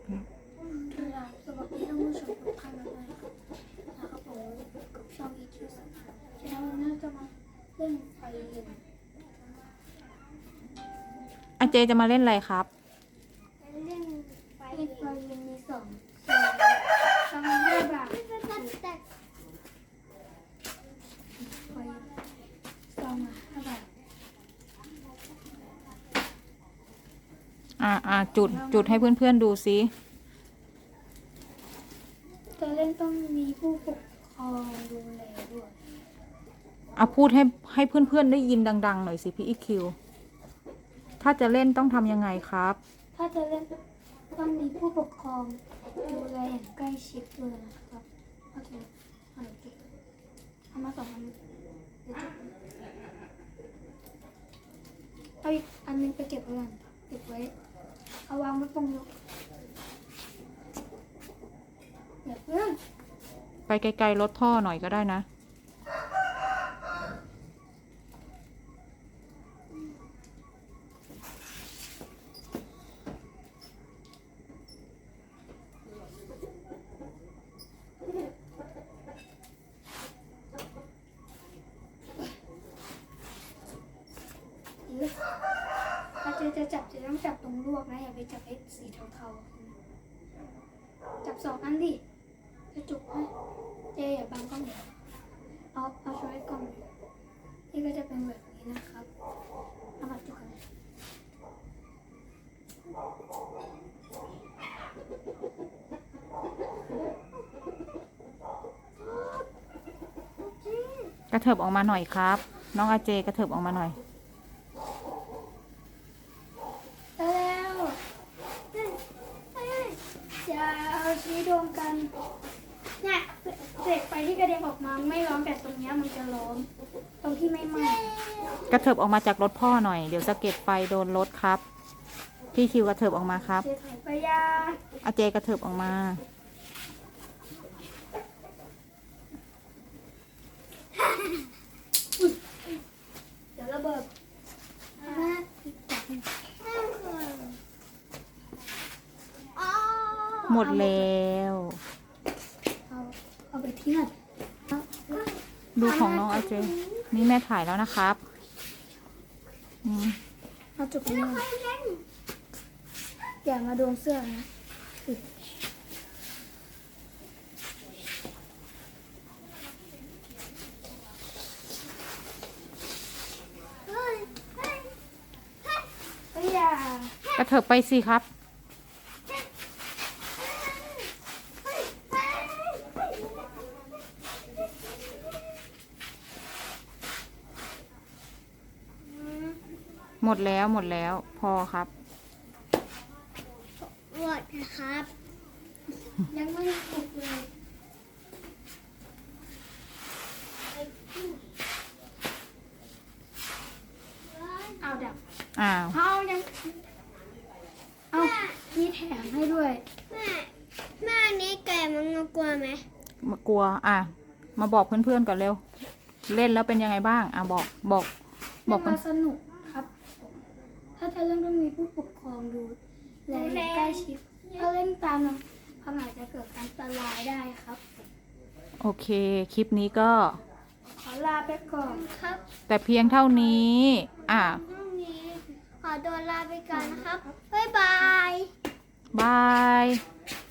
สวัสดีท่านผู้ชมทุกท่านด้วยนะครับผมกับช่อง EQ แล้ววันนี้จะมาเล่นไฟเย็นอาเจจะมาเล่นอะไรครับเล่นไฟเย็นมี2 5 บาทไฟ2 5 บาทจุดให้เพื่อนๆดูซิจะเล่นต้องมีผู้ปกครองดูแลด้วยพูดให้เพื่อนๆได้ยินดังๆหน่อยสิพี่อีคิวถ้าจะเล่นต้องทำยังไงครับถ้าจะเล่นต้องมีผู้ปกครองดูแลอย่างใกล้ชิดเลยนะครับโอเคเอามา2 อันเอาอีกอันนึงไปเก็บไว้ก่อนเก็บไว้เอาวางไว้ตรงนี้เดี๋ยวเพื่อนไปไกลๆลดท่อหน่อยก็ได้นะถ้าจะจับจะต้องจับตรงลวกนะอย่าไปจับไอ้สีเทาๆจับ2 อันดิจะจุกให้อย่าบังกล้องเอาช่วยกล้องนี่ก็จะเป็นแบบนี้นะครับเอามาจุกกันกระเถิบออกมาหน่อยครับน้องอาเจกระเถิบออกมาหน่อยแล้วอย่าเอาชี้รวมกันเนี่ยเศษไฟที่กระเด็นออกมาไม่ร้อนแต่ตรงนี้มันจะร้อนตรงที่ไม่ไหม้กระเถิบออกมาจากรถพ่อหน่อยเดี๋ยวสะเก็ดไฟโดนรถครับพี่คิวกระเถิบออกมาครับเศษไฟยาอาเจกระเถิบออกมาเดี๋ยวระเบิดหมดแล้วเอาไปทิ้งดูของน้องอาเจนี่แม่ถ่ายแล้วนะครับเอาจุกนี้อย่ามาโดนเสื้อนะกระเถิบไปสิครับหมดแล้วพอครับหมดนะครับยังไม่ถูกเลยเอาดับเอายังเอามีแถมให้ด้วยแม่นี้แกมันกลัวไหมมากลัวมาบอกเพื่อนๆก่อนเร็วเล่นแล้วเป็นยังไงบ้างบอกมันสนุกครับถ้าจะเล่นต้องมีผู้ปกครองดูแลใกล้ชิดถ้าเล่นตามความอาจจะเกิดอันตรายได้ครับโอเคคลิปนี้ก็ขอลาไปก่อนครับแต่เพียงเท่านี้ขอตัวลาไปก่อนนะครับบ๊ายบายบาย